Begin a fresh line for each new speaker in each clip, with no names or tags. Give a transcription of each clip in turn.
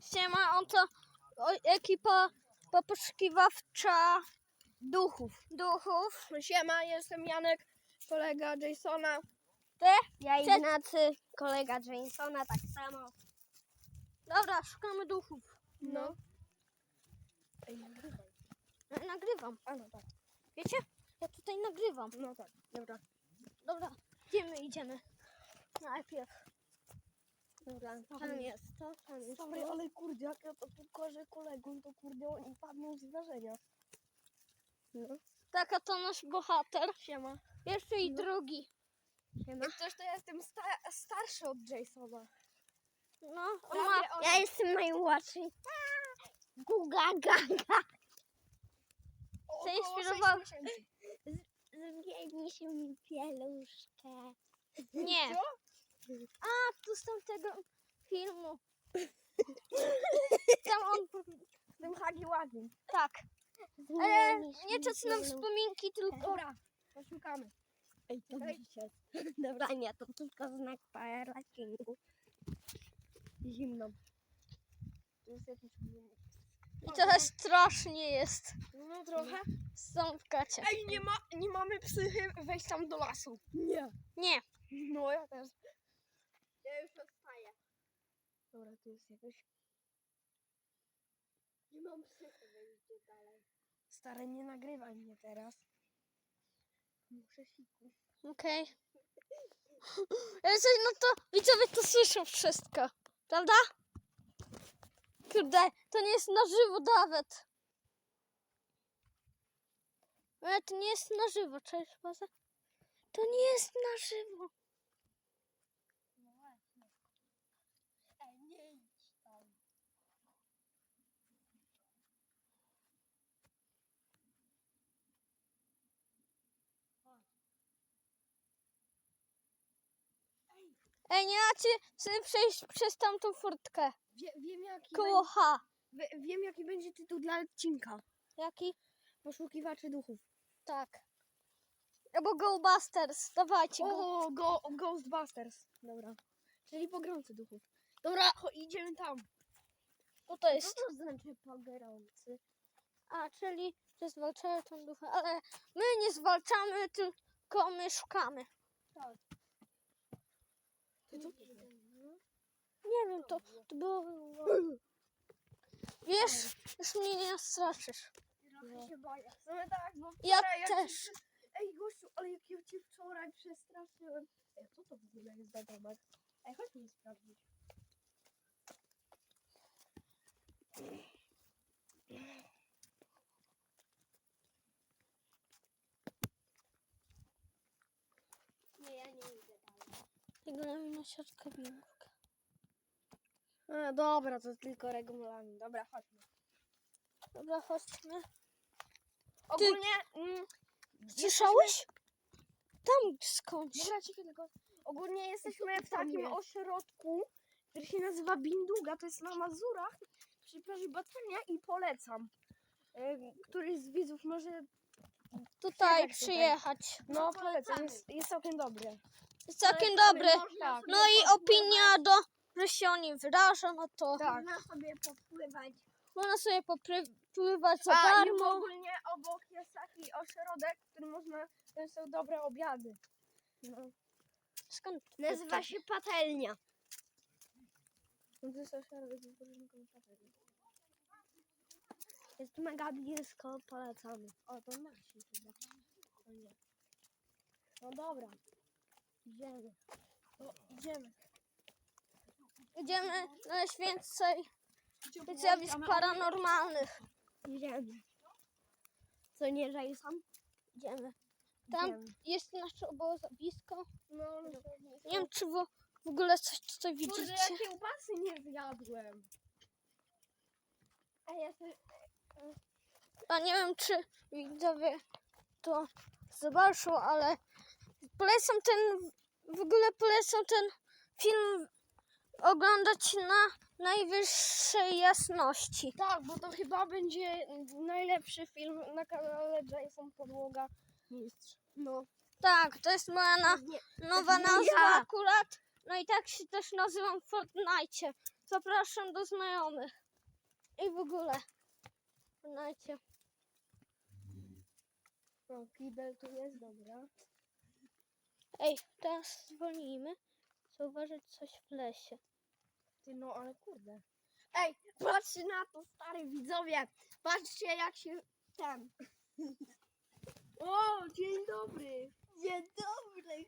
Siema, oto ekipa poszukiwawcza
Duchów. Siema, jestem Janek, kolega Jasona.
Ty?
Ja Ignacy, kolega Jasona, tak samo.
Dobra, szukamy duchów.
No.
Nagrywam.
A no tak.
Wiecie? Ja tutaj nagrywam.
No tak, dobra.
Dobra, idziemy. Najpierw.
Dobra, tam jest to, tam jest
Sorry,
to. Ale kurde, jak ja to pokażę kolegom, to kurde oni padną z wrażenia. No.
Taka to nasz bohater.
Siema.
Pierwszy i drugi.
Siema. Jak coś to ja jestem starszy od Jasona.
No, on ma...
Ja jestem najmłodszy. Guga gaga.
Zainspirował...
Zmieni mi pieluszkę.
Nie.
Co?
A, tu z tamtego filmu. Tam on...
Tym Hagi ładny.
Tak. Ale nie czas na wspominki, tylko...
Dobra, poszukamy. Ej, to dzisiaj. Dobra, nie, to tylko znak parkingu. Zimno. Tu jest jakiś...
I trochę strasznie jest.
No trochę.
Zamknącie.
Ej, nie mamy psychy wejść tam do lasu. Nie.
Nie.
No ja też. Ja już odstaję. Dobra, tu jest jakoś... Nie mam psychy wejść dalej. Stary, nie nagrywaj mnie teraz. Muszę siku.
Okej. Ale coś, no to widzowie to słyszą wszystko. Prawda? Kurde, to nie jest na żywo nawet. Ale to nie jest na żywo, cześć Boże. To nie jest na żywo.
No właśnie. Ej, nie idź tam.
Ej, nie macie sobie przejść przez tamtą furtkę.
Wiem jaki
Koło H.
wiem jaki będzie tytuł dla odcinka.
Jaki?
Poszukiwaczy duchów.
Tak. Albo Ghostbusters. Dawajcie go.
O, Ghostbusters. Dobra. Czyli pogromcy duchów. Dobra, idziemy tam.
Co to jest?
Co to znaczy pogromcy?
A, czyli że zwalczają tą duchę. Ale my nie zwalczamy, tylko my szukamy.
Tak.
Nie wiem, to było... Wiesz, już mnie nie straszysz.
Trochę się boję. No tak, bo
Ja
wczoraj jak
też.
Cię... Ej gościu, ale jak ja cię wczoraj przestraszyłem. Ej, co to w ogóle jest za domek? Ej, chodź mi sprawdzić. Nie, ja nie idę dalej.
Wygląda na siatkę białka.
A, dobra, to tylko regulamin. Dobra, chodźmy.
Dobra, chodźmy.
Ogólnie...
Słyszałeś? Tam skądś.
Dobra, cicho tylko. Ogólnie jesteśmy w takim ośrodku, który się nazywa Binduga. To jest na Mazurach przy plaży Bacenia i polecam. Któryś z widzów może...
Tutaj przyjechać.
No polecam, jest całkiem dobry.
Jest całkiem dobry.
Tak.
No i opinia do, że się o nim wyraża, no to
Tak.
Można sobie popływać.
można sobie popływać za
A i
darmo.
ogólnie obok jest taki ośrodek, w którym można... To są dobre obiady. No.
Skąd?
Nazywa się patelnia.
No to jest ośrodek z wypoczynku patelni.
Jest mega blisko, polecamy.
O, to nasi chyba. O nie. No dobra. Idziemy. No, idziemy.
Idziemy na więcej zjawisk paranormalnych.
Idziemy. Co nie, Jason?
Idziemy. Tam
Idziemy.
jest nasze obozowisko.
No,
Nie wiem, czy w ogóle coś tutaj
kurde,
widzicie.
ja kiełbasy nie zjadłem.
A ja sobie...
A nie wiem, czy widzowie to zobaczą, ale w ogóle polecam ten film oglądać na najwyższej jasności.
Tak, bo to chyba będzie najlepszy film na kanale Jason Podłoga Mistrz. No.
Tak, to jest moja nowa nazwa akurat. No i tak się też nazywam w Fortnite. Zapraszam do znajomych. I w ogóle. Znajcie.
No, kibel tu jest, dobra.
Ej, teraz zwolnijmy. Zauważyć coś w lesie.
Ty, no ale kurde. Ej, patrzcie na to, stary widzowie. Patrzcie jak się ten. O, dzień dobry.
Dzień dobry,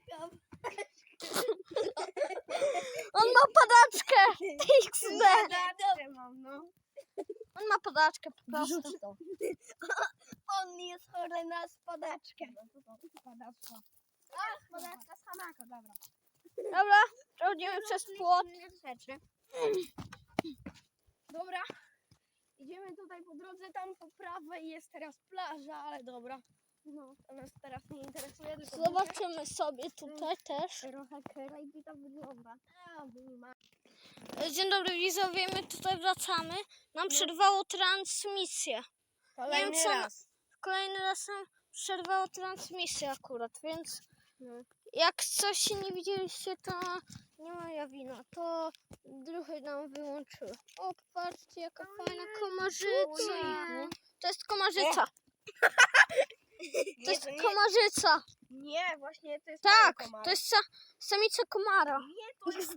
On ma padaczkę! XD!
Dobrze mam, no.
On ma padaczkę po prostu.
Wrzuć to.
On jest chory na spadaczkę.
Spadaczka. A, spadaczka z Hanaka, dobra.
Dobra, przechodzimy przez płot.
Rzeczy. Dobra. Idziemy tutaj po drodze, tam po prawej jest teraz plaża, ale dobra. No, to nas teraz nie interesuje, tylko
Zobaczymy sobie tutaj też.
trochę krajki to wygląda. A, ma.
Dzień dobry widzowie, my tutaj wracamy. Nam przerwało transmisję.
Kolejny
co-
raz.
Kolejny raz nam przerwało transmisję akurat, więc
No.
jak coś nie widzieliście, to nie moja wina. To druhy nam wyłączyły. O, popatrzcie, jaka fajna komarzyca.
Ojejku.
To jest komarzyca. To jest
nie,
komarzyca.
nie, właśnie to jest
Tak,
pan komar.
to jest samica komara.
Nie, to jest
XD.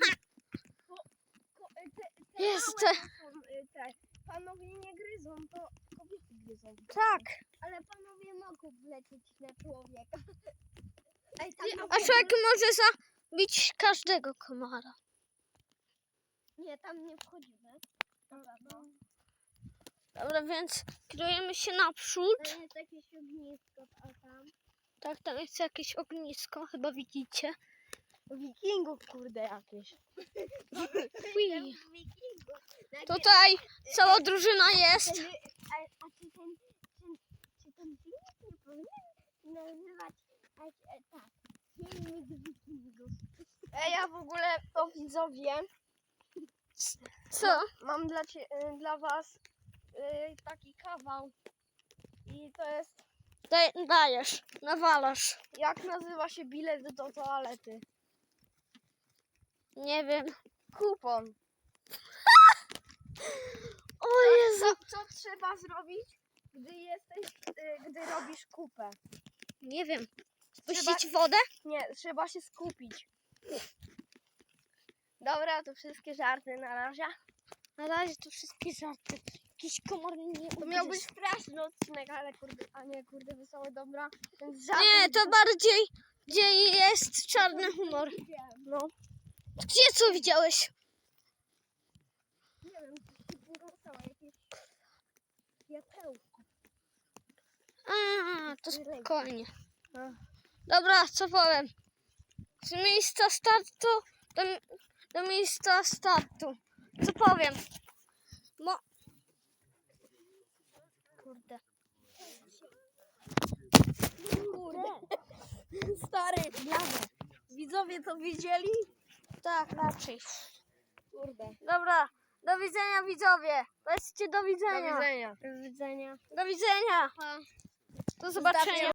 te
Jest
małe to są, te. Panowie nie gryzą, to kobiety gryzą.
Tak.
Ale panowie mogą wlecieć na człowieka. Ej,
A człowiek może zabić każdego komara.
Nie, tam nie wchodzimy. Dobra, no.
Dobra, więc kierujemy się naprzód.
To jest jakieś ognisko, a tam.
Tak, tam jest jakieś ognisko, chyba widzicie.
Wikingów, kurde, jakieś.
Ui.
Wikingów.
Tutaj cała drużyna jest.
A czy ten filmik nie powinien nazywać tak, filmik wikingów?
Ej, ja w ogóle to widzowie,
Co?
mam dla was taki kawał. I to jest,
Dajesz, nawalasz.
jak nazywa się bilet do toalety?
Nie wiem.
Kupon.
O Jezu.
Co trzeba zrobić, gdy robisz kupę?
Nie wiem. Spuścić wodę?
Nie, trzeba się skupić. Dobra, to wszystkie żarty na razie.
Na razie to wszystkie żarty. Jakiś komar nie
To miał być straszny odcinek, ale kurde, a nie kurde wesoły, dobra. Więc
Nie, to bardziej gdzie jest czarny humor.
No,
Gdzie co widziałeś?
nie wiem, wyrzucało jakieś światełko.
A, to spokojnie.
No.
Dobra, co powiem? Z miejsca startu do miejsca startu. Co powiem? Kurde.
Kurde. Stary, widzowie to widzieli?
Tak, raczej.
Kurde.
Dobra, do widzenia widzowie. Powiedzcie do
Do
widzenia.
widzenia.
Do widzenia.
Do widzenia. Do zobaczenia.